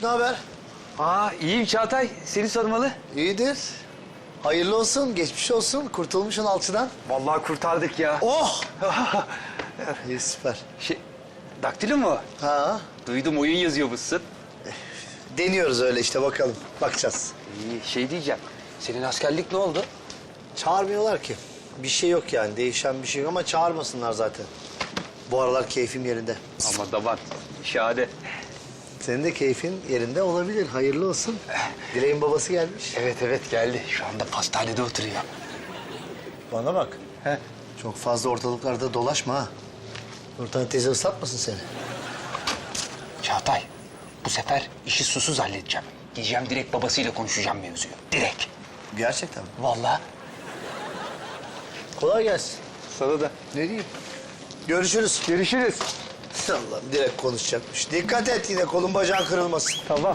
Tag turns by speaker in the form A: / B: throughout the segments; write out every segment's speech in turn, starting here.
A: haber?
B: İyiyim Çağatay. Seni sormalı.
A: İyidir. Hayırlı olsun, geçmiş olsun. Kurtulmuşsun alçıdan.
B: Vallahi kurtardık ya.
A: Oh! İyi, süper.
B: Daktilo mu?
A: Ha,
B: Duydum oyun yazıyormuşsun.
A: deniyoruz öyle işte, bakalım. Bakacağız.
B: İyi, diyeceğim. Senin askerlik ne oldu?
A: Çağırmıyorlar ki. Bir şey yok yani, değişen bir şey yok ama çağırmasınlar zaten. Bu aralar keyfim yerinde.
B: Ama damat, şahane.
A: Senin de keyfin yerinde olabilir. Hayırlı olsun. Dileğin babası gelmiş.
B: Evet geldi. Şu anda pastanede oturuyor.
A: Bana bak.
B: He?
A: Çok fazla ortalıklarda dolaşma ha. Nurten teyze ıslatmasın seni.
B: Çağatay, bu sefer işi susuz halledeceğim. Gideceğim direkt babasıyla konuşacağım mevzuyu. Direkt.
A: Gerçekten mi?
B: Vallahi.
A: Kolay gelsin.
B: Sana da.
A: Ne diyeyim? Görüşürüz.
B: Görüşürüz.
A: Allah'ım, direkt konuşacakmış. Dikkat et, yine kolun bacağın kırılmasın.
B: Tamam.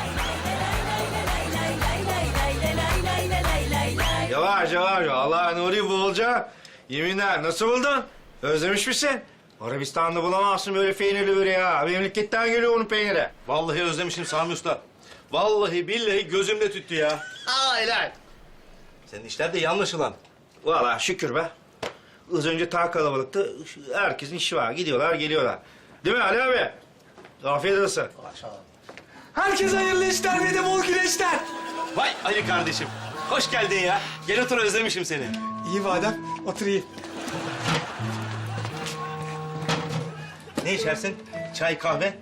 C: Yavaş. Allah Nuri Bolca. Yeminler nasıl buldun? Özlemiş misin? Arabistan'da bulamazsın böyle peynirli böreği ha. Memleketten geliyor onun peyniri.
D: Vallahi özlemişim Sami Usta. Vallahi billahi gözümde tüttü ya.
C: Helal.
D: Senin işler de iyi anlaşılan.
C: Vallahi şükür be. Az önce ta kalabalıktı. Herkesin işi var. Gidiyorlar, geliyorlar. Değil mi Ali abi? Afiyet olsun.
B: Herkese hayırlı işler ve de bol güneşler.
D: Vay Ali kardeşim. Hoş geldin ya. Gel otur özlemişim seni.
B: İyi madem, oturayım.
D: Ne içersin? Çay, kahve?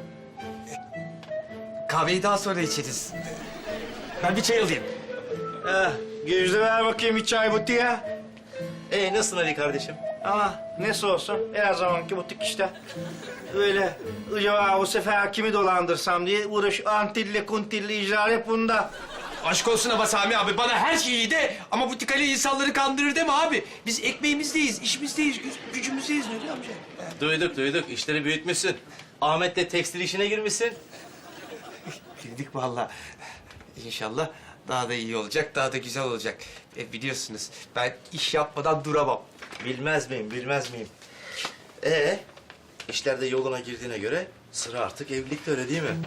B: Kahveyi daha sonra içeriz. Ben bir çay alayım.
C: Gözde ver bakayım bir çay buti ya.
D: Nasılsın Ali kardeşim?
C: Ama nesi olsun her zamanki butik işte. Öyle acaba bu sefer kimi dolandırsam diye uğraş antilli kuntilli icra hep bunda.
E: Aşk olsun ama Sami abi, bana her şey iyi de ama bu tikali insanları kandırır deme abi. Biz ekmeğimizdeyiz, işimizdeyiz, gücümüzdeyiz Nuri amca.
D: Duyduk. İşleri büyütmüşsün. Ahmet'le tekstil işine girmişsin.
E: Girdik vallahi. İnşallah daha da iyi olacak, daha da güzel olacak. Biliyorsunuz ben iş yapmadan duramam.
D: Bilmez miyim? İşler de yoluna girdiğine göre sıra artık evlilikte, öyle değil mi?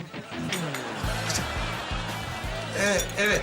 E: Evet.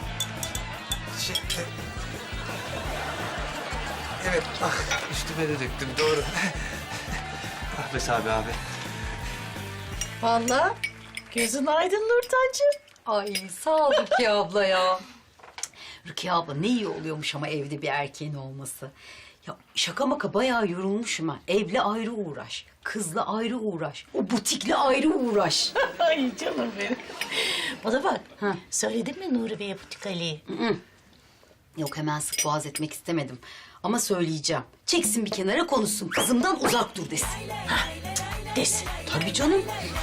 E: Evet, üstüme de döktüm, doğru. Ah be Sami abi.
F: Vallahi gözün aydın Nurtancığım.
G: Ay sağ ol Rukiye abla ya. Rukiye abla ne iyi oluyormuş ama evde bir erkeğin olması. Ya şaka maka bayağı yorulmuşum ha. Evle ayrı uğraş, kızla ayrı uğraş, o butikle ayrı uğraş.
F: Ay canım benim. Bana bak,
G: Ha.
F: söyledin mi Nuri Bey'e butik Ali'yi?
G: Yok hemen sık boğaz etmek istemedim. Ama söyleyeceğim. Çeksin bir kenara konuşsun. Kızımdan uzak dur desin.
F: Desin.
G: Tabii canım.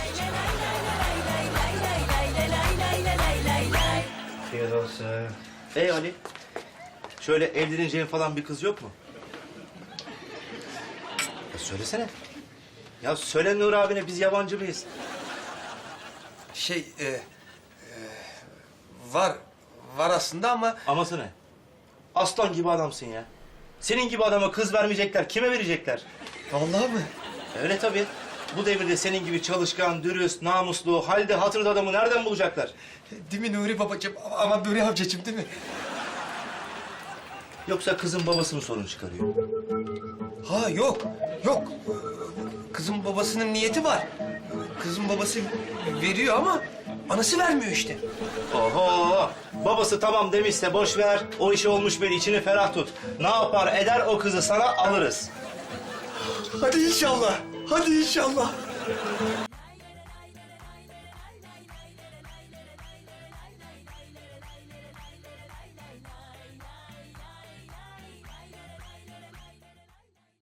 D: Afiyet olsun. Ali, şöyle evleneceğin falan bir kız yok mu? Ya söylesene. Ya söyle Nur abine, biz yabancı mıyız?
E: Var aslında ama
D: Aması ne? Aslan gibi adamsın ya. Senin gibi adama kız vermeyecekler, kime verecekler?
E: vallahi mı?
D: Öyle tabii. Bu devirde senin gibi çalışkan, dürüst, namuslu, halde hatırda adamı nereden bulacaklar?
E: Değil mi Nuri babacığım? Ama Nuri amcacığım değil mi?
D: Yoksa kızın babası mı sorun çıkarıyor?
E: Ha yok. Kızın babasının niyeti var. Kızın babası veriyor ama anası vermiyor işte.
D: Oho! Babası tamam demişse boş ver. O işi olmuş beni, içini ferah tut. Ne yapar eder o kızı sana alırız.
E: Hadi inşallah.